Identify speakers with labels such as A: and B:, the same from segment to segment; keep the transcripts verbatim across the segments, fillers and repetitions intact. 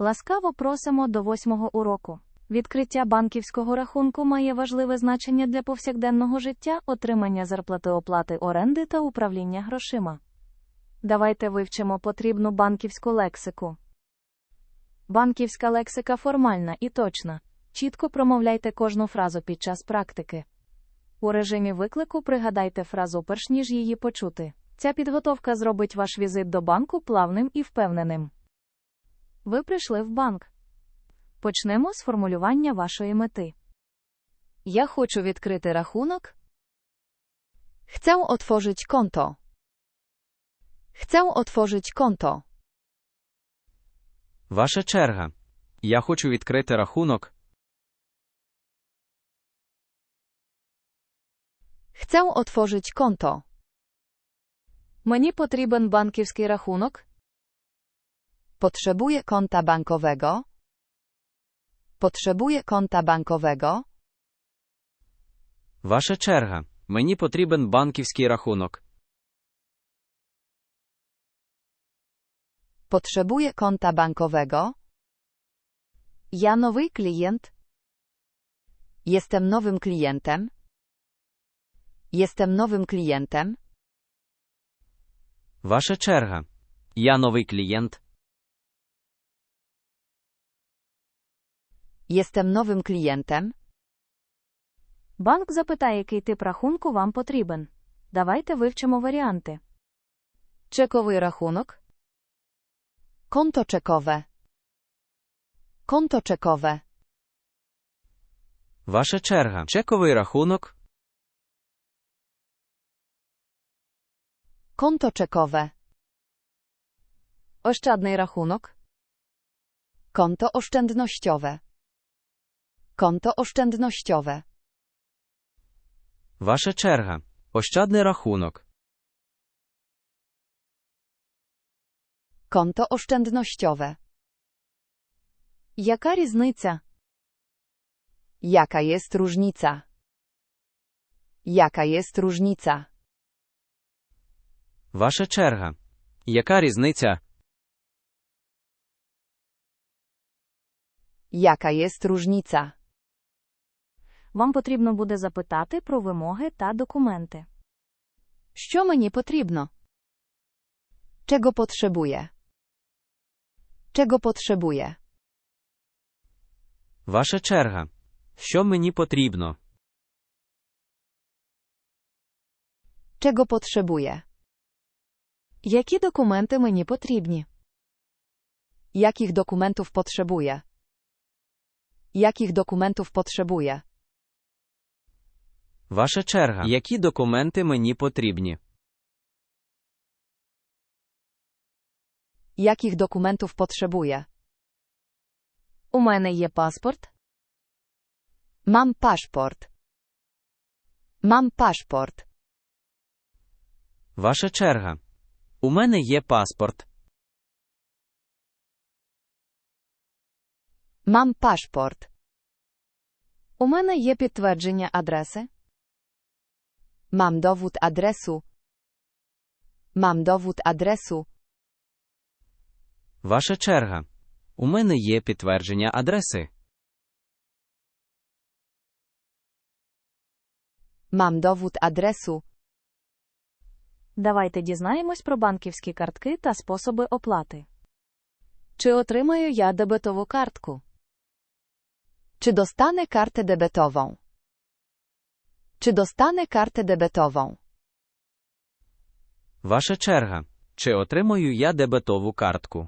A: Ласкаво просимо до восьмого уроку. Відкриття банківського рахунку має важливе значення для повсякденного життя, отримання зарплати, оплати оренди та управління грошима. Давайте вивчимо потрібну банківську лексику. Банківська лексика формальна і точна. Чітко промовляйте кожну фразу під час практики. У режимі виклику пригадайте фразу перш ніж її почути. Ця підготовка зробить ваш візит до банку плавним і впевненим. Ви прийшли в банк. Почнемо з формулювання вашої мети.
B: Ja хочу відкрити рахунок. Chcę otworzyć konto. Chcę otworzyć konto.
C: Ваша черга. Я хочу відкрити рахунок.
B: Chcę otworzyć konto.
A: Мені потрібен банківський рахунок.
B: Potrzebuję konta bankowego. Potrzebuję konta bankowego.
C: Ваша черга. Мені потрібен банківський рахунок.
B: Potrzebuję konta bankowego.
A: Я новий клієнт.
B: Jestem nowym klientem. Jestem nowym klientem.
C: Ваша черга. Я новий клієнт.
B: Jestem nowym klientem.
A: Банк запитає, який тип рахунку вам потрібен. Давайте вивчимо варіанти.
B: Czekowy рахунок. Konto czekowe. Konto czekowe.
C: Ваша черга. Чековий рахунок.
B: Konto czekowe.
A: Ощадний рахунок.
B: Konto oszczędnościowe. Konto oszczędnościowe.
C: Ваша черга. Ощадний рахунок.
B: Konto oszczędnościowe.
A: Яка різниця?
B: Jaka jest różnica? Jaka jest różnica?
C: Ваша черга. Яка різниця?
B: Jaka jest różnica?
A: Вам потрібно буде запитати про вимоги та документи.
B: Що мені потрібно? Czego potrzebuję? Czego potrzebuję?
C: Ваша черга. Що мені потрібно?
B: Czego potrzebuję?
A: Які документи мені потрібні?
B: Jakich dokumentów potrzebuję? Jakich dokumentów potrzebuję?
C: Ваша черга. Які документи мені потрібні?
B: Jakich dokumentów potrzebuję?
A: У мене є паспорт.
B: Mam paszport. Mam paszport.
C: Ваша черга. У мене є паспорт.
B: Mam paszport.
A: У мене є підтвердження адреси.
B: Mam dowód adresu. Mam dowód adresu.
C: Ваша черга. У мене є підтвердження адреси.
B: Mam dowód adresu.
A: Давайте дізнаємось про банківські картки та способи оплати. Чи отримаю я дебетову картку?
B: Czy dostanę kartę debetową? Czy dostanę kartę debetową?
C: Ваша черга. Чи отримаю я дебетову картку?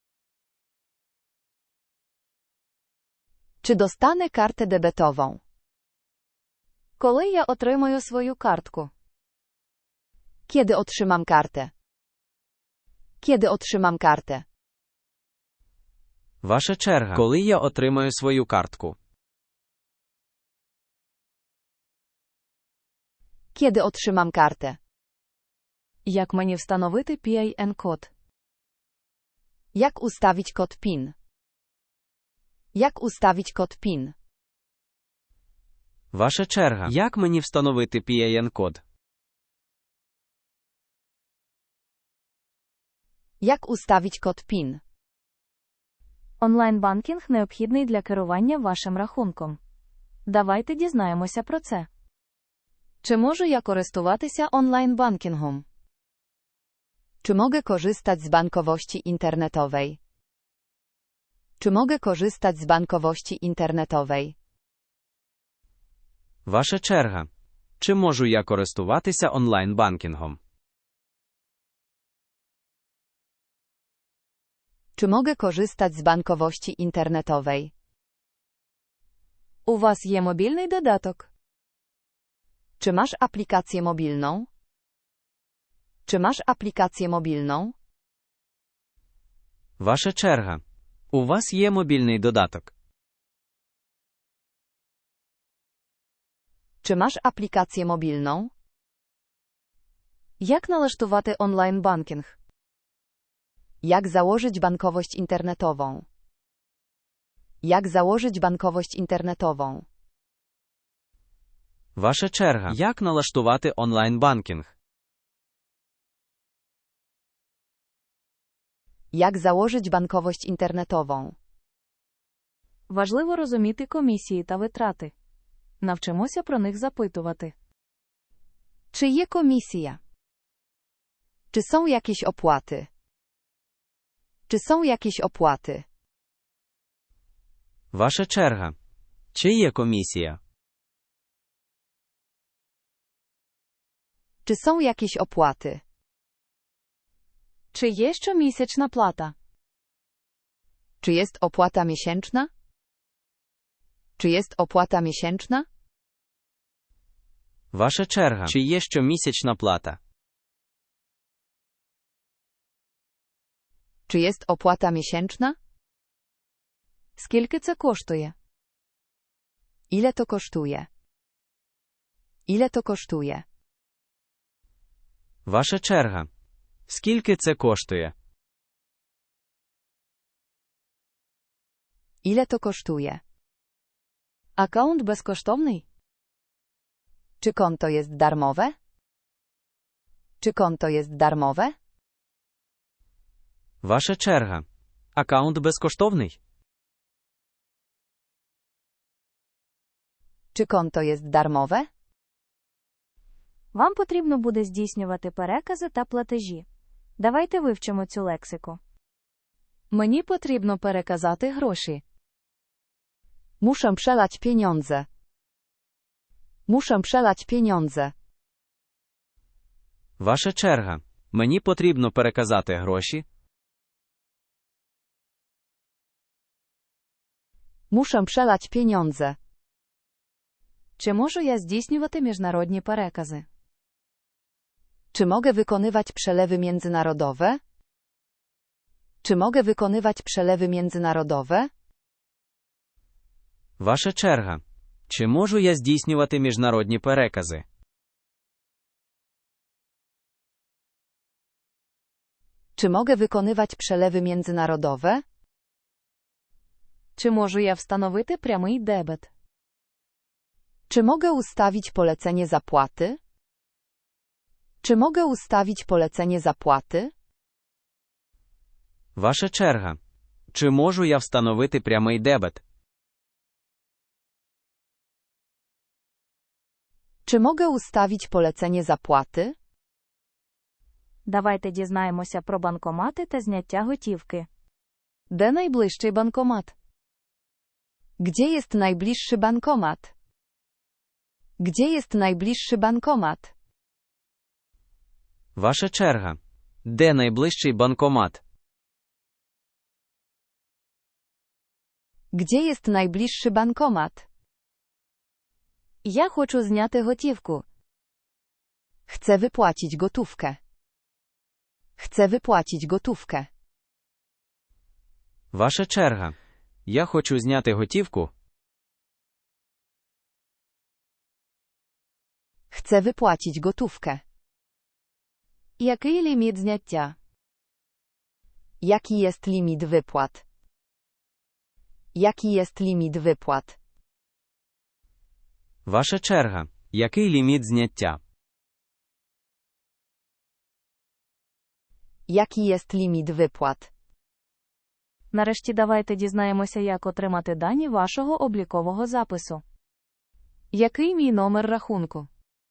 B: Czy dostanę kartę debetową?
A: Коли я отримаю свою картку?
B: Kiedy otrzymam kartę? Kiedy otrzymam kartę?
C: Ваша черга. Коли я отримаю свою картку?
B: Kiedy otrzymam kartę?
A: Як мені встановити пі ай ен-код?
B: Jak ustawić kod PIN? Jak ustawić kod PIN?
C: Ваша черга. Як мені встановити пі ай ен-код?
B: Jak ustawić kod PIN?
A: Онлайн-банкінг необхідний для керування вашим рахунком. Давайте дізнаємося про це.
B: Czy можу я користуватися онлайн-банкінгом? Czy mogę korzystać z bankowości internetowej? Czy mogę korzystać z bankowości internetowej?
C: Ваша черга. Чи можу я користуватися онлайн-банкінгом?
B: Czy mogę korzystać z bankowości internetowej?
A: У вас є мобільний додаток?
B: Czy masz aplikację mobilną? Czy masz aplikację mobilną?
C: Ваша черга. У вас є мобільний додаток?
B: Czy masz aplikację mobilną?
A: Як налаштувати онлайн-банкінг?
B: Jak założyć bankowość internetową? Jak założyć bankowość internetową?
C: Ваша черга. Як налаштувати онлайн-банкінг?
B: Jak założyć bankowość internetową?
A: Важливо розуміти комісії та витрати. Навчимося про них запитувати.
B: Czy je komisja? Czy są jakieś opłaty? Czy są jakieś opłaty?
C: Ваша черга. Чи є комісія?
B: Czy są jakieś opłaty?
A: Чи є щомісячна плата?
B: Czy jest opłata miesięczna? Czy jest opłata miesięczna?
C: Ваша черга. Чи є щомісячна плата?
B: Czy jest opłata miesięczna?
A: Скільки це коштує?
B: Ile to kosztuje? Ile to kosztuje?
C: Ваша черга. Скільки це коштує?
B: Ile to kosztuje?
A: Аккаунт безкоштовний?
B: Czy konto jest darmowe? Czy konto jest darmowe?
C: Ваша черга. Аккаунт безкоштовний?
B: Czy konto jest darmowe?
A: Вам потрібно буде здійснювати перекази та платежі. Давайте вивчимо цю лексику. Мені потрібно переказати гроші.
B: Muszę przelać pieniądze. Muszę przelać pieniądze.
C: Ваша черга. Мені потрібно переказати гроші.
B: Muszę przelać pieniądze.
A: Чи можу я здійснювати міжнародні перекази?
B: Czy mogę wykonywać przelewy międzynarodowe? Czy mogę wykonywać przelewy międzynarodowe?
C: Ваша черга. Чи можу я здійснювати міжнародні перекази?
B: Czy mogę wykonywać przelewy międzynarodowe?
A: Чи можу я встановити прямий дебет?
B: Czy mogę ustawić polecenie zapłaty? Czy mogę ustawić polecenie zapłaty?
C: Ваша черга. Чи можу я встановити прямий дебет?
B: Czy mogę ustawić polecenie zapłaty?
A: Давайте дізнаємося про банкомати та зняття готівки. Де найближчий банкомат?
B: Gdzie jest najbliższy bankomat? Gdzie jest najbliższy bankomat?
C: Ваша черга. Де найближчий банкомат?
B: Gdzie jest najbliższy bankomat?
A: Я хочу зняти готівку.
B: Chcę wypłacić gotówkę. Chcę wypłacić gotówkę.
C: Ваша черга. Я хочу зняти готівку.
B: Chcę wypłacić gotówkę.
A: Який ліміт зняття?
B: Jaki jest limit wypłat? Jaki jest limit wypłat?
C: Ваша черга. Який ліміт зняття?
B: Jaki jest limit wypłat?
A: Нарешті давайте дізнаємося, як отримати дані вашого облікового запису. Який мій номер рахунку?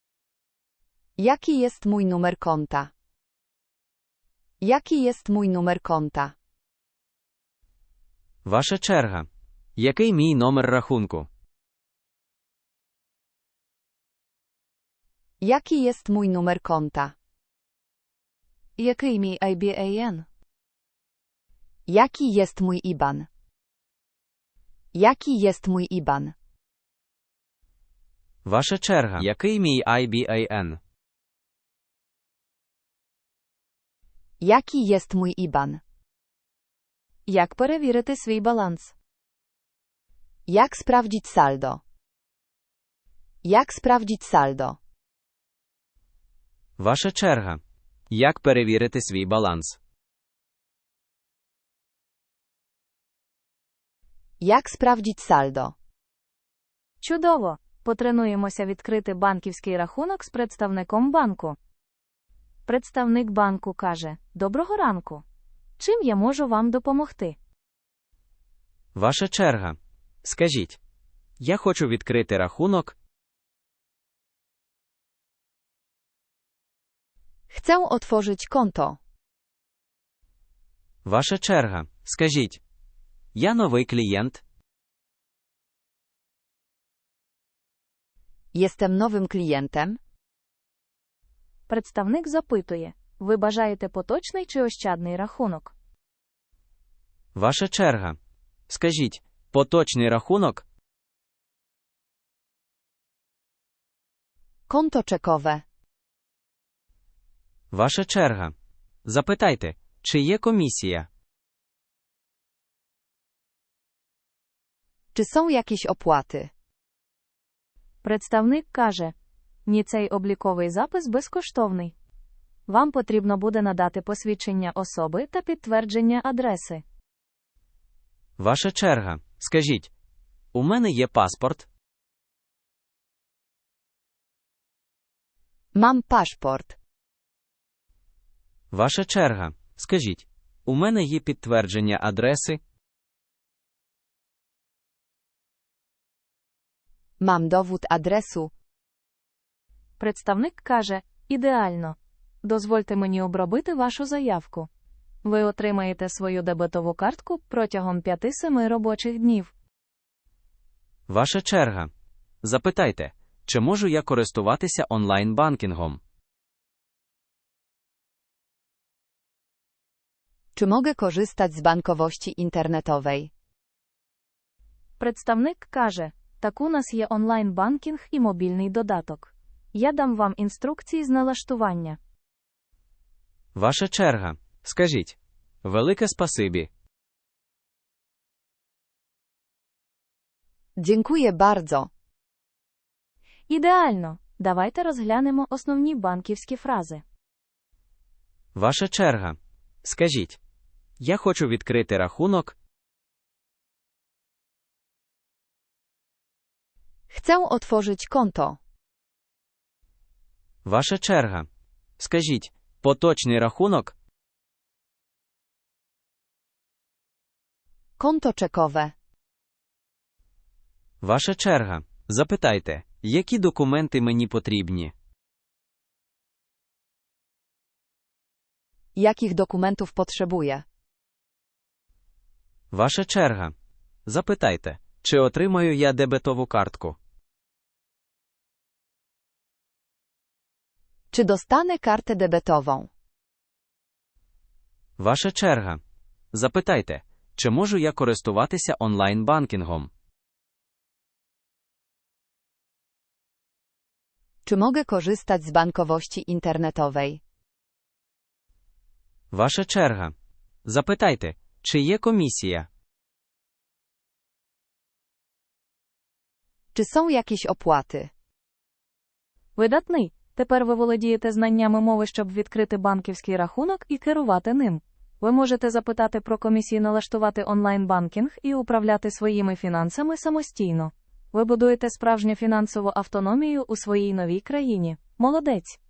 B: Jaki jest mój numer konta? Jaki jest mój numer konta?
C: Ваша черга. Який мій номер рахунку?
B: Jaki jest mój numer konta?
A: Який мій ай бі ей ен?
B: Jaki jest mój I B A N? Jaki jest mój I B A N?
C: Ваша черга. Який мій ай бі ей ен?
B: Jaki jest mój I B A N?
A: Як перевірити свій баланс?
B: Jak sprawdzić saldo? Jak sprawdzić saldo?
C: Ваша черга. Як перевірити свій баланс?
B: Jak sprawdzić saldo?
A: Чудово! Потренуємося відкрити банківський рахунок з представником банку. Представник банку каже: «Доброго ранку. Чим я можу вам допомогти?»
C: Ваша черга. Скажіть. Я хочу відкрити рахунок.
B: Chcę otworzyć konto.
C: Ваша черга. Скажіть. Я новий клієнт.
B: Jestem nowym klientem.
A: Представник запитує: «Ви бажаєте поточний чи ощадний рахунок?»
C: Ваша черга. Скажіть. Поточний рахунок.
B: Konto czekowe.
C: Ваша черга. Запитайте, чи є комісія?
B: Czy są jakieś opłaty?
A: Представник каже: «Ні, цей обліковий запис безкоштовний. Вам потрібно буде надати посвідчення особи та підтвердження адреси».
C: Ваша черга. Скажіть. У мене є паспорт.
B: Mam paszport.
C: Ваша черга. Скажіть. У мене є підтвердження адреси.
B: Mam dowód adresu.
A: Представник каже: «Ідеально. Дозвольте мені обробити вашу заявку. Ви отримаєте свою дебетову картку протягом п'яти-семи робочих днів».
C: Ваша черга. Запитайте, чи можу я користуватися онлайн-банкінгом?
B: Czy mogę korzystać z bankowości internetowej?
A: Представник каже: «Так, у нас є онлайн-банкінг і мобільний додаток. Я дам вам інструкції з налаштування».
C: Ваша черга. Скажіть. Велике спасибі.
B: Dziękuję bardzo.
A: Ідеально. Давайте розглянемо основні банківські фрази.
C: Ваша черга. Скажіть. Я хочу відкрити рахунок.
B: Chcę otworzyć konto.
C: Ваша черга. Скажіть. Поточний рахунок.
B: Konto czekowe.
C: Ваша черга. Запитайте, які документи мені потрібні?
B: Jakich dokumentów potrzebuję?
C: Ваша черга. Запитайте, чи отримаю я дебетову картку?
B: Czy dostanę kartę debetową?
C: Ваша черга. Запитайте, чи можу я користуватися онлайн-банкінгом?
B: Czy mogę korzystać z bankowości internetowej?
C: Ваша черга. Запитайте, чи є комісія?
B: Czy są jakieś opłaty?
A: Видатний. Тепер ви володієте знаннями мови, щоб відкрити банківський рахунок і керувати ним. Ви можете запитати про комісію, налаштувати онлайн-банкінг і управляти своїми фінансами самостійно. Ви будуєте справжню фінансову автономію у своїй новій країні. Молодець!